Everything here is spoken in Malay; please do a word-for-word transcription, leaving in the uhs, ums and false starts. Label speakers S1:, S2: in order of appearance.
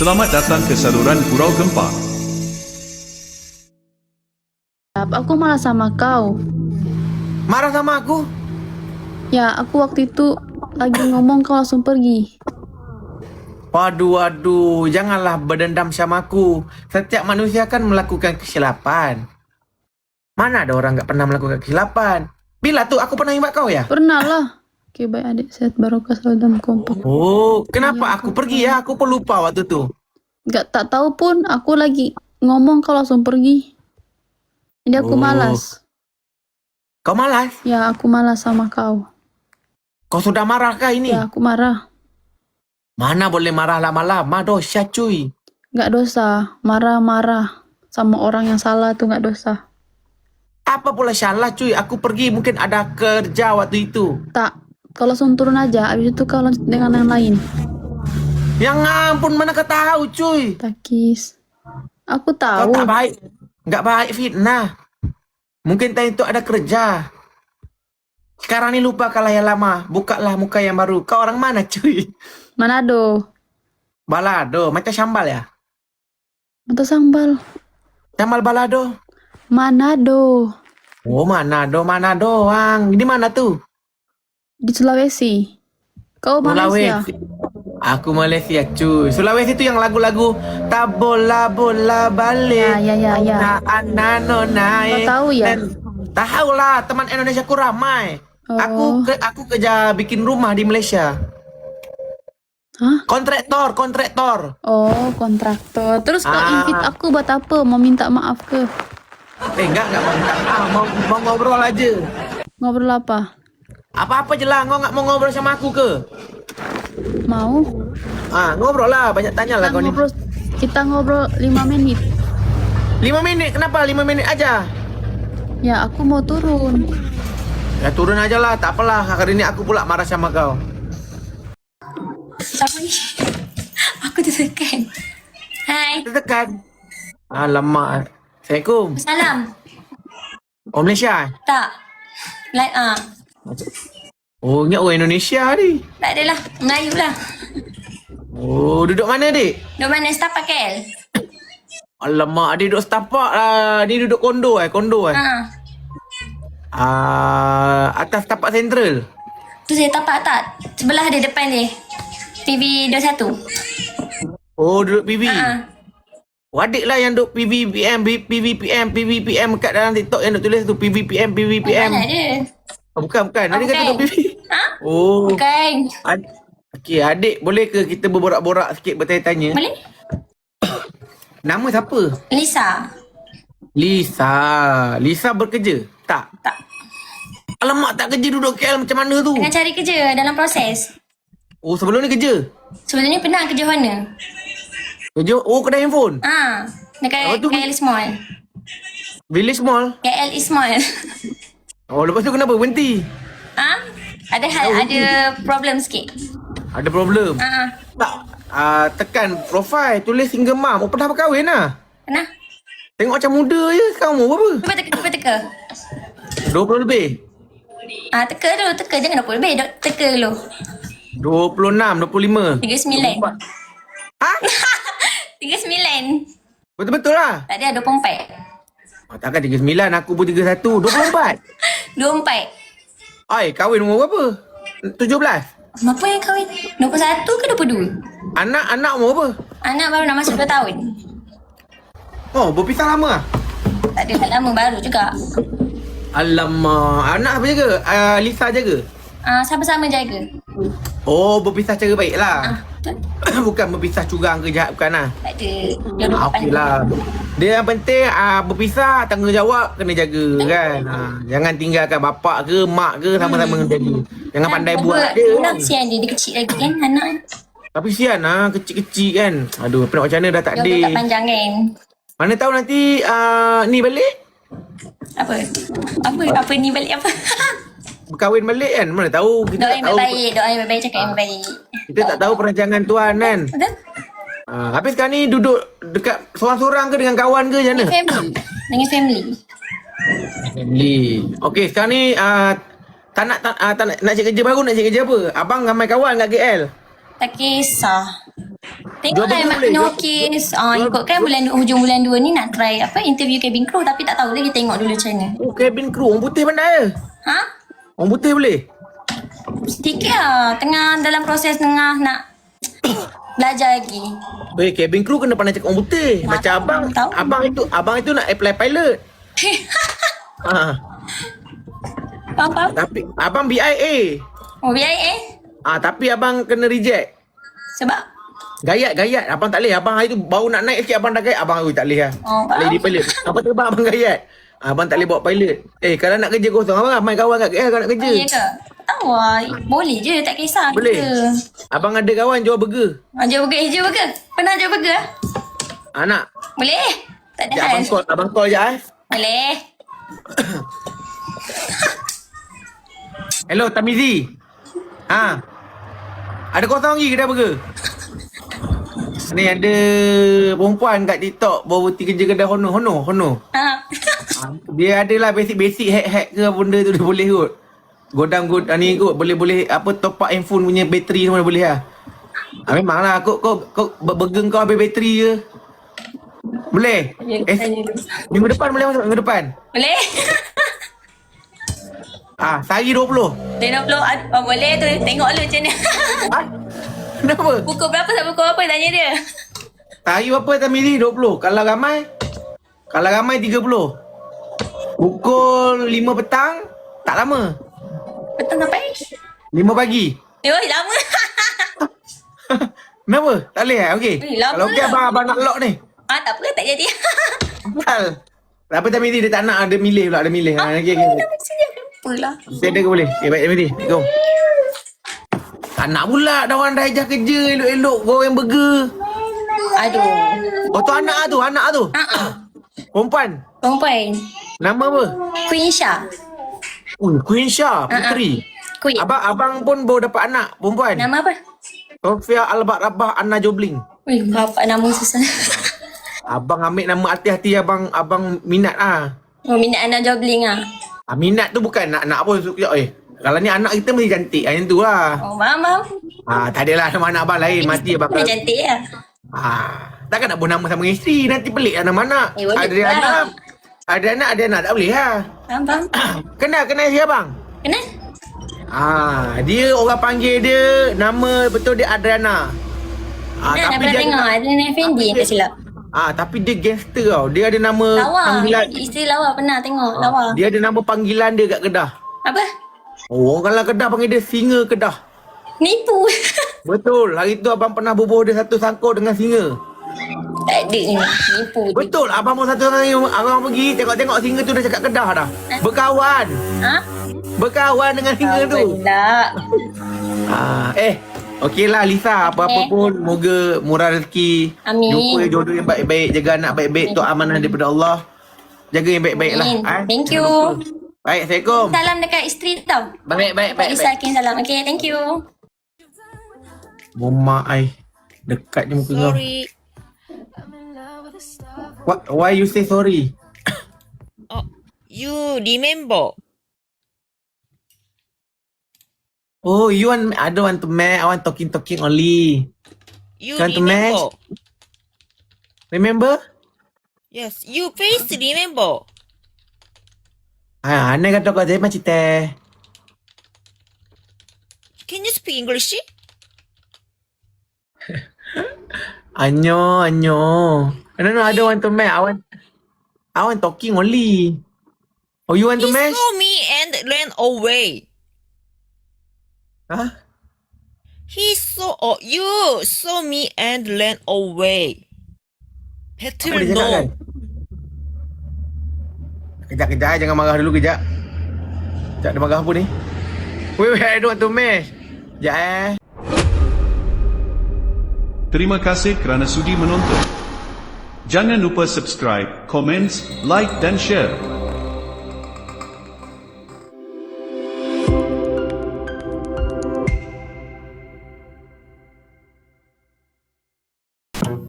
S1: Selamat datang ke saluran Gurau Gempa.
S2: Aku marah sama kau.
S3: Marah sama aku?
S2: Ya, aku waktu itu lagi ngomong kau langsung pergi.
S3: Waduh, waduh, janganlah berdendam sama aku. Setiap manusia kan melakukan kesilapan. Mana ada orang gak pernah melakukan kesilapan? Bila tuh aku pernah imbak kau ya?
S2: Pernah lah. Oke, baik adik. Sehat barokah selalu dalam kompak.
S3: Oh, kenapa
S2: Iya,
S3: aku
S2: aku
S3: pergi ya? Aku pelupa waktu tuh.
S2: Gak tak tahu pun aku lagi ngomong kau langsung pergi. Jadi aku
S3: Oh.
S2: malas.
S3: Kau malas?
S2: Ya, aku malas sama kau.
S3: Kau sudah marah kah ini?
S2: Ya, aku marah.
S3: Mana boleh marah lama-lama, dosa cuy.
S2: Gak dosa. Marah-marah sama orang yang salah tuh gak dosa.
S3: Apa pula salah cuy? Aku pergi mungkin ada kerja waktu itu.
S2: Tak. Kau langsung turun aja. Habis itu kau lanjut dengan yang lain.
S3: Yang ampun, mana kau tahu cuy?
S2: Takis. Aku
S3: Kau
S2: tahu.
S3: tak baik. Gak baik fitnah. Mungkin tadi itu ada kerja. Sekarang ni lupa kalah yang lama. Bukalah muka yang baru. Kau orang mana cuy?
S2: Manado.
S3: Balado. Macam sambal ya?
S2: Mata sambal.
S3: Sambal balado.
S2: Manado.
S3: Oh, Manado, Manado doang. Di mana tuh?
S2: Di Sulawesi. Kau Malaysia.
S3: Sulawesi. Aku Malaysia cuy. Sulawesi itu yang lagu-lagu tak bola bola balik.
S2: Ya, ya, ya, ya.
S3: Anak nona.
S2: Kau tahu ya?
S3: Tahu lah, teman Indonesia ku ramai.
S2: Oh.
S3: Aku ke, aku kerja bikin rumah di Malaysia.
S2: Hah?
S3: Kontraktor, kontraktor.
S2: Oh, kontraktor. Terus kau
S3: Ah.
S2: invite aku buat apa? Mau minta maaf ke?
S3: Eh enggak, enggak mau minta maaf. Mau, mau ngobrol aja.
S2: Ngobrol apa?
S3: Apa-apa je lah, kau enggak mau ngobrol sama aku ke?
S2: Mau?
S3: Ah, ngobrol lah, banyak tanya lah
S2: Kita
S3: kau ni.
S2: ngobrol, kita ngobrol lima menit.
S3: Lima minit, kenapa? Lima minit aja.
S2: Ya, aku mau turun.
S3: Ya turun aja lah, tak apalah. Hari ini aku pula marah sama kau.
S4: Siapa ni? Aku tertekan. Hai.
S3: Tekan. Alamak. Assalamualaikum.
S4: Salam.
S3: Oh, Malaysia?
S4: Tak. Like ah.
S3: Oh, ingat orang Indonesia ni.
S4: Tak adalah. Melayu lah.
S3: Oh, duduk mana, dik?
S4: Duk mana setapak K L?
S3: Alamak, dia duduk setapak lah. Ni duduk kondo eh, kondo eh.
S4: Ha.
S3: Ah, atas tapak sentral.
S4: Tu saya tapak tak? Sebelah dia, depan dia. T V dua puluh satu.
S3: Oh, duduk P V.
S4: Ha.
S3: Oh, adik lah yang duduk P V P M, P V P M, P V P M kat dalam TikTok yang duk tulis tu P V P M, P V P M.
S4: Mana dia?
S3: Oh, bukan, bukan.
S4: Oh,
S3: Adik kata
S4: bukan.
S3: duduk P V.
S4: Ha?
S3: Oh.
S4: Bukan.
S3: Ad- Okey, adik boleh ke kita berborak-borak sikit bertanya-tanya?
S4: Boleh?
S3: Nama siapa?
S4: Lisa.
S3: Lisa. Lisa bekerja? Tak.
S4: Tak.
S3: Alamak, tak kerja duduk K L macam mana tu?
S4: Tengah cari kerja dalam proses.
S3: Oh, sebelum ni kerja?
S4: Sebelum ni pernah kerja Honor.
S3: Kerja? Oh, kedai handphone?
S4: Ha. Dekat
S3: Apa tu?
S4: K L East Mall.
S3: Village Mall?
S4: K L East Mall.
S3: Oh, lepas tu kenapa berhenti?
S4: Ha? Ada hal, ada problem sikit.
S3: Ada problem?
S4: Ha.
S3: Tak. Uh, tekan profile, tulis single mom. Oh, pernah berkahwin lah?
S4: Pernah?
S3: Tengok macam muda je. Sekarang umur berapa?
S4: Cuba teka, cuba teka.
S3: dua puluh lebih?
S4: Ah, teka dulu, teka. Jangan dua puluh lebih. Dok, teka dulu.
S3: dua puluh enam, dua puluh lima.
S4: tiga puluh sembilan.
S3: Ha?
S4: tiga puluh sembilan.
S3: Betul-betul lah?
S4: Tak ada, dua puluh empat.
S3: Oh, takkan tiga puluh sembilan, aku pun tiga puluh satu. dua puluh empat?
S4: dua puluh empat.
S3: Ay, kahwin umur berapa? tujuh belas?
S4: Apa yang kahwin? dua puluh satu ke dua puluh dua?
S3: Anak-anak umur berapa?
S4: Anak baru nak masuk dua tahun.
S3: Oh, berpisah lama lah?
S4: Tak ada, tak lama baru juga.
S3: Alamak, anak apa jaga? Uh, Lisa jaga?
S4: Ah, sama-sama jaga.
S3: Oh, berpisah cara baik lah.
S4: Ah, betul?
S3: Bukan berpisah curang ke jahat, bukan lah.
S4: Tak ada. Dua-dua
S3: Ah, okey lah. Dia yang penting uh, berpisah, tanggungjawab kena jaga kan. Uh, jangan tinggalkan bapak ke mak ke sama-sama kena jaga. Jangan pandai buat dia.
S4: Nak kesian dia, dia kecil lagi kan anak.
S3: Tapi sian lah, kecil-kecil kan. Aduh, apa nak macam mana dah tak
S4: Dia
S3: ada.
S4: tak panjang kan.
S3: Mana tahu nanti uh, ni balik,
S4: Apa? Apa? Apa ni balik apa?
S3: berkahwin balik kan. Mana tahu, kita
S4: Doa
S3: tak
S4: yang
S3: tahu.
S4: baik-baik. Doa yang baik-baik, cakap yang baik.
S3: Kita tak tahu perancangan Tuhan kan.
S4: Betul?
S3: Uh, habis sekarang ni duduk dekat seorang-seorang ke dengan kawan ke macam mana?
S4: Dengan family. Dengan family.
S3: Family. Okey, sekarang ni uh, tak nak tak, uh, tak nak, nak cari kerja baru, nak cari kerja apa? Abang ramai kawan kat K L.
S4: Tak kisah. Tengoklah
S3: Jual
S4: Mak
S3: boleh,
S4: Tino
S3: jual-
S4: Kiss. Ah,
S3: jual-
S4: ikut kan bulan hujung bulan dua ni nak try apa interview cabin crew tapi tak tahu lagi, tengok dulu macam mana.
S3: Oh, cabin crew. Orang putih pandai.
S4: Ha?
S3: Orang putih boleh?
S4: Sedikit lah. Tengah dalam proses tengah nak belajar lagi.
S3: Eh, cabin crew kena pandai cakap orang putih. Macam
S4: tahu,
S3: abang,
S4: tahu.
S3: abang itu, abang itu nak apply pilot. Ah,
S4: Faham-faham?
S3: tapi abang B I A.
S4: Oh, B I A?
S3: Ah, tapi abang kena reject.
S4: Sebab?
S3: Gayat, gayat. Abang tak boleh. Abang hari tu baru nak naik sikit abang dah gayat. Abang, oi tak boleh lah.
S4: Oh,
S3: tak boleh
S4: faham.
S3: jadi pilot. Apa tu abang, abang gayat? Abang tak boleh bawa pilot. Eh, kalau nak kerja kosong, abang ramai kawan kat K L kalau nak kerja.
S4: Ya ke? Tahu lah. Boleh je, tak kisah.
S3: Boleh.
S4: Kita.
S3: Abang ada kawan jual burger.
S4: Ah, jual burger. Eh, jual burger. Pernah jual burger?
S3: Anak.
S4: Boleh? Tak ada
S3: Sekejap
S4: hal.
S3: abang call, abang call je eh.
S4: Boleh.
S3: Hello, Tamizi. Ha. Ada kosong lagi kedai burger? Ni ada perempuan kat TikTok baru berhenti kerja kedai Hono. Hono, Hono.
S4: Ha.
S3: Dia adalah basic-basic hack-hack ke benda tu dia boleh kot. Godam god ni kot boleh-boleh apa top up handphone punya bateri semua dia boleh lah. Ah, memanglah kau kau kau burger kau habis bateri je. Boleh? Eh, minggu depan boleh masuk minggu depan.
S4: Boleh?
S3: Ah, sehari dua puluh.
S4: lima puluh. Oh, boleh tu. Tengok dulu macam mana.
S3: Ha? Kenapa?
S4: Pukul berapa sampai pukul berapa tanya dia?
S3: Sehari berapa Tamizi? dua puluh. Kalau ramai? Kalau ramai tiga puluh. Pukul lima petang? Tak lama.
S4: Betul sampai?
S3: lima pagi.
S4: Eh, oi, lama.
S3: Kenapa? Tak boleh eh? Okey.
S4: Eh, lama
S3: Kalau okey
S4: lah.
S3: abang, abang nak lock ni.
S4: Ah, tak apa, tak jadi.
S3: Hal. Apa Tamizi dia tak nak ada milih pula, ada milih. Ha, okey okey.
S4: Dah mesti dia kenapa lah.
S3: Dia ada ke boleh? Okay, baik Tamizi. Jom. Tak nak pula dah orang dah ejah kerja elok-elok goreng burger.
S4: Aduh.
S3: Oh tu anak tu, anak tu.
S4: Ah, ah.
S3: Perempuan.
S4: Perempuan.
S3: Nama apa?
S4: Queen Shah.
S3: Oh, Queen Shah, puteri.
S4: Queen.
S3: Abang abang pun baru dapat anak perempuan.
S4: Nama apa?
S3: Sofia Albat Rabah Anna Jobling.
S4: Wih, bapak nama susah.
S3: Abang ambil nama hati-hati abang abang minat ah.
S4: Oh, minat anak jobling ah.
S3: Ah, minat tu bukan nak nak apa suka eh. Kalau ni anak kita mesti cantik. Ah, yang tu lah.
S4: Oh, faham, faham.
S3: Ah, tak adalah nama anak abang lain. Mati abang.
S4: Dia cantik lah.
S3: Ah, takkan nak buat nama sama isteri. Nanti pelik lah nama anak.
S4: Eh, boleh
S3: Ada
S4: pula.
S3: anak. Ada anak, ada anak. Tak boleh lah.
S4: Faham, faham.
S3: Kenal, kenal siapa bang?
S4: Kenal?
S3: Ah, dia orang panggil dia nama betul dia Adriana. Ah,
S4: Dah, dah pernah tengok. Ada Nenek Fendi yang tak silap.
S3: Ah, tapi dia gangster tau. Dia ada nama
S4: Lawa.
S3: panggilan.
S4: Isteri lawa pernah tengok. Lawa.
S3: Dia ada nama panggilan dia kat Kedah.
S4: Apa?
S3: Oh, orang kalau Kedah panggil dia singa Kedah.
S4: Nipu.
S3: Betul. Hari tu abang pernah bubuh dia satu sangkut dengan singa.
S4: Tak ada ni. Nipu. tu.
S3: Betul. Abang pun satu hari abang pergi tengok-tengok singa tu dah cakap Kedah dah. Berkawan.
S4: Ha?
S3: Berkawan dengan singa tu.
S4: Tak.
S3: Ah, eh, okeylah Lisa, apa-apa
S4: Eh.
S3: pun moga murah rezeki.
S4: Amin.
S3: Jumpa jodoh yang baik-baik, jaga anak baik-baik, tu amanah daripada Allah. Jaga yang baik-baik lah.
S4: Amin.
S3: Ah,
S4: Thank
S3: jangan
S4: you.
S3: lupa. Baik, Assalamualaikum.
S4: Salam dekat isteri tau.
S3: Baik, baik,
S4: Pak
S3: baik.
S4: Isa kirim salam. Okay, thank you.
S3: Mama ai dekat je muka kau.
S5: Sorry.
S3: What, why you say sorry?
S5: Oh, you remember?
S3: Oh, you want I don't want to match. I want talking talking only.
S5: You
S3: Want to
S5: remember?
S3: Remember?
S5: Yes, you please remember.
S3: Ah, aneh kata kau saya macam teh.
S5: Can you speak English?
S3: Anyo, anyo. No, no, I don't want to match. I want I want talking only. Oh, you want
S5: He
S3: to match?
S5: saw me and ran away.
S3: Huh?
S5: He saw oh, you saw me and ran away.
S3: Apa
S5: Better
S3: dia cakap kan?
S5: no.
S3: Kejap, kejap. eh. Jangan marah dulu kejap. Kejap, dia marah apa ni? Wait, wait. I don't want to match. Kejap eh.
S1: Terima kasih kerana sudi menonton. Jangan lupa subscribe, komen, like dan share.